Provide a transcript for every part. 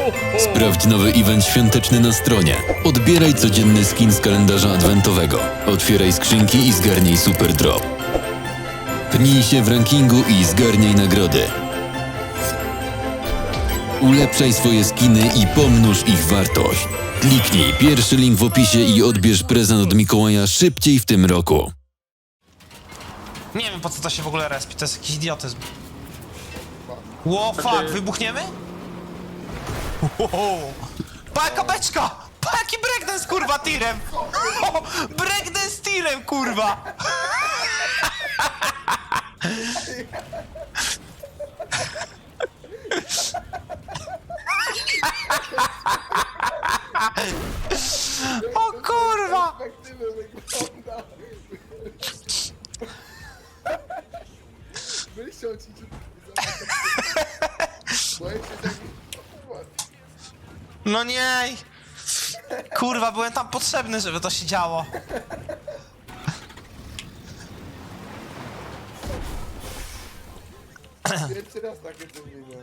Sprawdź nowy event świąteczny na stronie. Odbieraj codzienny skin z kalendarza adwentowego. Otwieraj skrzynki i zgarnij super drop. Pnij się w rankingu i zgarniaj nagrody. Ulepszaj swoje skiny i pomnóż ich wartość. Kliknij pierwszy link w opisie i odbierz prezent od Mikołaja szybciej w tym roku. Nie wiem po co to się w ogóle respi, to jest jakiś idiotyzm. Ło, fuck, wybuchniemy? Wow. Pa jaka beczka! Pa jaki breakdance kurwa tirem! Breakdance tirem kurwa! O kurwa! Wyściął ci boję się tak... No nie! Kurwa, byłem tam potrzebny, żeby to się działo. Pierwszy raz takie coś widzę.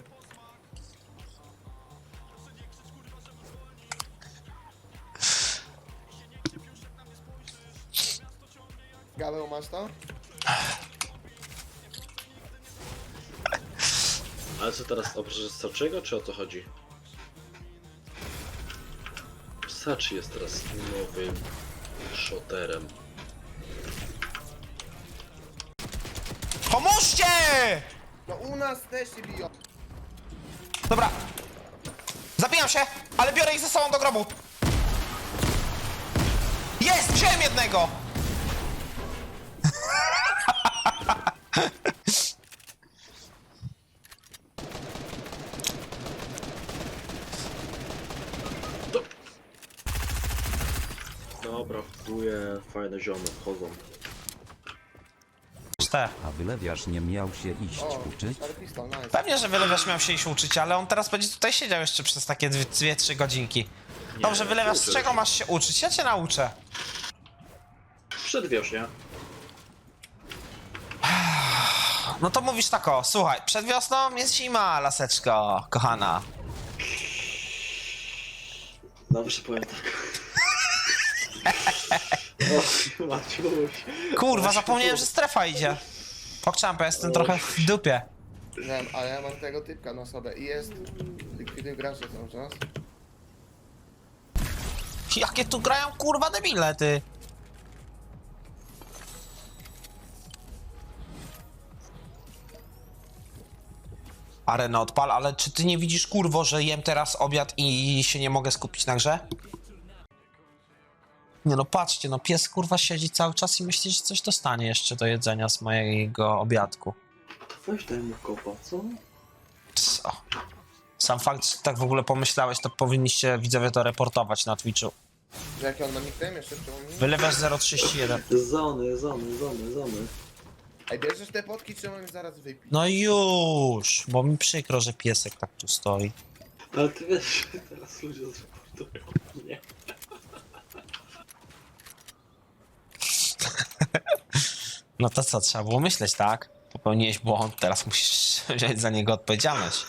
Gaweł, masz to? Ale co teraz, oprócz Sachiego, czy o co chodzi? Sachi jest teraz nowym shooterem. Pomóżcie! No u nas też się biją. Dobra. Zabijam się, ale biorę ich ze sobą do grobu. Jest! Wziąłem jednego! Dobra, wbuję, fajne ziomy wchodzą. A wylewiarz nie miał się iść uczyć? Stary pistol, nice. Pewnie, że wylewiarz miał się iść uczyć, ale on teraz będzie tutaj siedział jeszcze przez takie 2-3 godzinki. Dobrze, wylewiasz, z uczę czego się. masz się uczyć? Ja cię nauczę. Przedwiośnie. No to mówisz tak o, słuchaj, przed wiosną jest zima, laseczko, kochana. Dobrze powiem tak. O, Maciuś. Kurwa, zapomniałem, że strefa idzie. Pokczampę, jestem trochę w dupie. Nie wiem, ale ja mam tego typka na sobie i jest... Likwiduj gracze cały czas. Jakie tu grają kurwa debile, ty. Arena odpal, ale czy ty nie widzisz kurwo, że jem teraz obiad i się nie mogę skupić na grze? Nie no patrzcie, no pies kurwa siedzi cały czas i myśli, że coś dostanie jeszcze do jedzenia z mojego obiadku. To weź daj mu kopa, co? Co? Sam fakt, że tak w ogóle pomyślałeś, to powinniście widzowie to reportować na Twitchu. Że jaki on ma nickname jeszcze przypomnij? Wylewasz 031. Zony. Ej, bierzesz te potki, czy mam zaraz wypić? No już, bo mi przykro, że piesek tak tu stoi. Ale ty wiesz, że teraz ludzie zreportują mnie. No to co, trzeba było myśleć, tak? Popełniłeś błąd, teraz musisz wziąć za niego odpowiedzialność.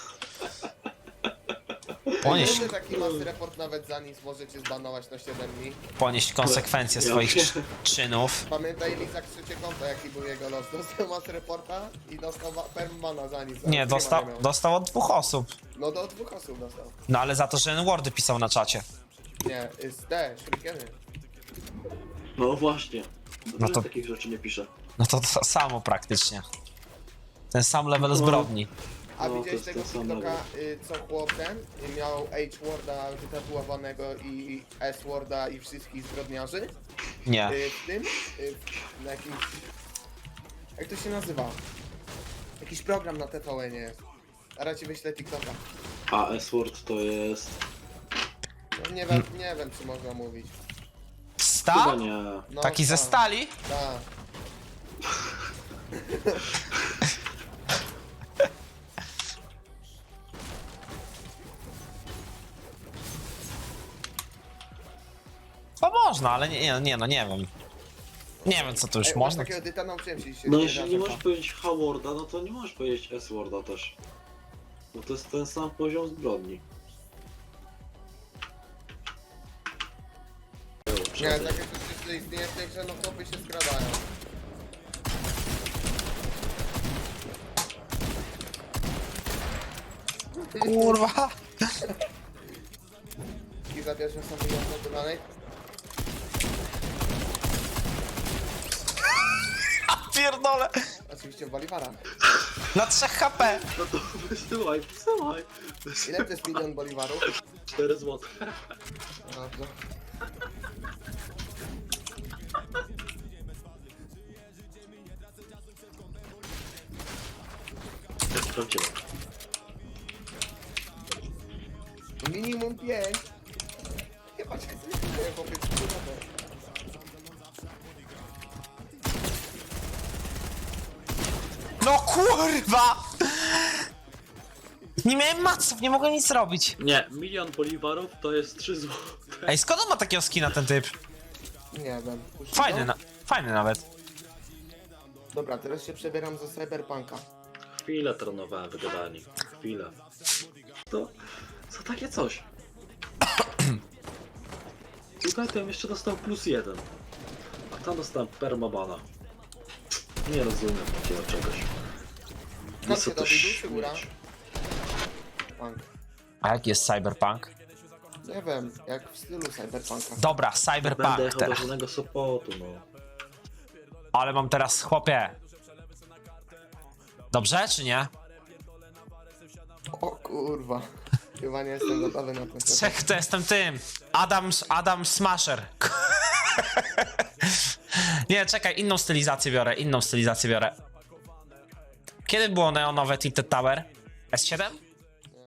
Ponieść, Wiesz, taki masz report nawet za nic, możecie zbanować na 7 dni. ponieść konsekwencje swoich czynów. Pamiętaj Lizak trzecie konto, jaki był jego los. Dostał mas reporta i dostał permana za nic. Nie, dostał od 2 osób. No do 2 osób dostał. No ale za to, że N-wordy pisał na czacie. Nie, jest te, shurikeny. No właśnie. Dobrze, No to- takich rzeczy nie piszę. No to samo praktycznie. Ten sam level zbrodni. A No, widziałeś to tego jest ten sam TikToka, level. co chłop ten miał H-Worda wytatuowanego i S-Worda i wszystkich zbrodniarzy? Nie. W tym, na jakimś... Jak to się nazywa? Jakiś program na TVN jest. Zaraz ci wyślę TikToka. A S-Word to jest... No nie wiem czy można mówić. Chyba Stal? nie. No, Taki ze stali? Tak. To można, ale nie wiem. Nie wiem co to już Ej, można. takiego dyta nauczyłem się dzisiaj. No jeśli nie możesz powiedzieć H-Worda, no to nie możesz powiedzieć S-Worda też. No to jest ten sam poziom zbrodni. Nie, takie coś jeszcze istnieje w tej grze, no chłopy się skradają. Kurwa! I za pierwszym są wyjątkowe dodanej. Pierdolę! Oczywiście w Bolivarach. Na 3 HP! No to wysyłaj, wysyłaj. Ile to jest 1 000 000 boliwarów? 4 zł. Dobrze. Jak sprawdziłem. Minimum 5. Chyba cię nie chłopiec. No kurwa! Nie miałem maców, nie mogłem nic zrobić. Nie, 1 000 000 boliwarów to jest 3 zł. Ej, skąd on ma takiego skina, ten typ? Nie wiem. Puścić Fajny, to? fajny nawet. Dobra, teraz się przebieram za Cyberpunka. Chwilę trenowałem wygadani. Chwilę. To za takie coś. Tutaj to bym jeszcze dostał +1. A tam dostałem permabana. Nie rozumiem takiego czegoś. Skąd się dobył, dół czy góra? mieć. Punk. A jaki jest Cyberpunk? Nie wiem, jak w stylu Cyberpunka. Dobra, Będę Cyberpunk jechał do teraz. żadnego Sopotu, no. Ale mam teraz chłopie. Dobrze, czy nie? O kurwa. Chyba nie jestem gotowy na ten set. Czech to jestem tym. Adam Smasher. Nie, czekaj, inną stylizację biorę, Kiedy było neonowe Tilted Tower? S7?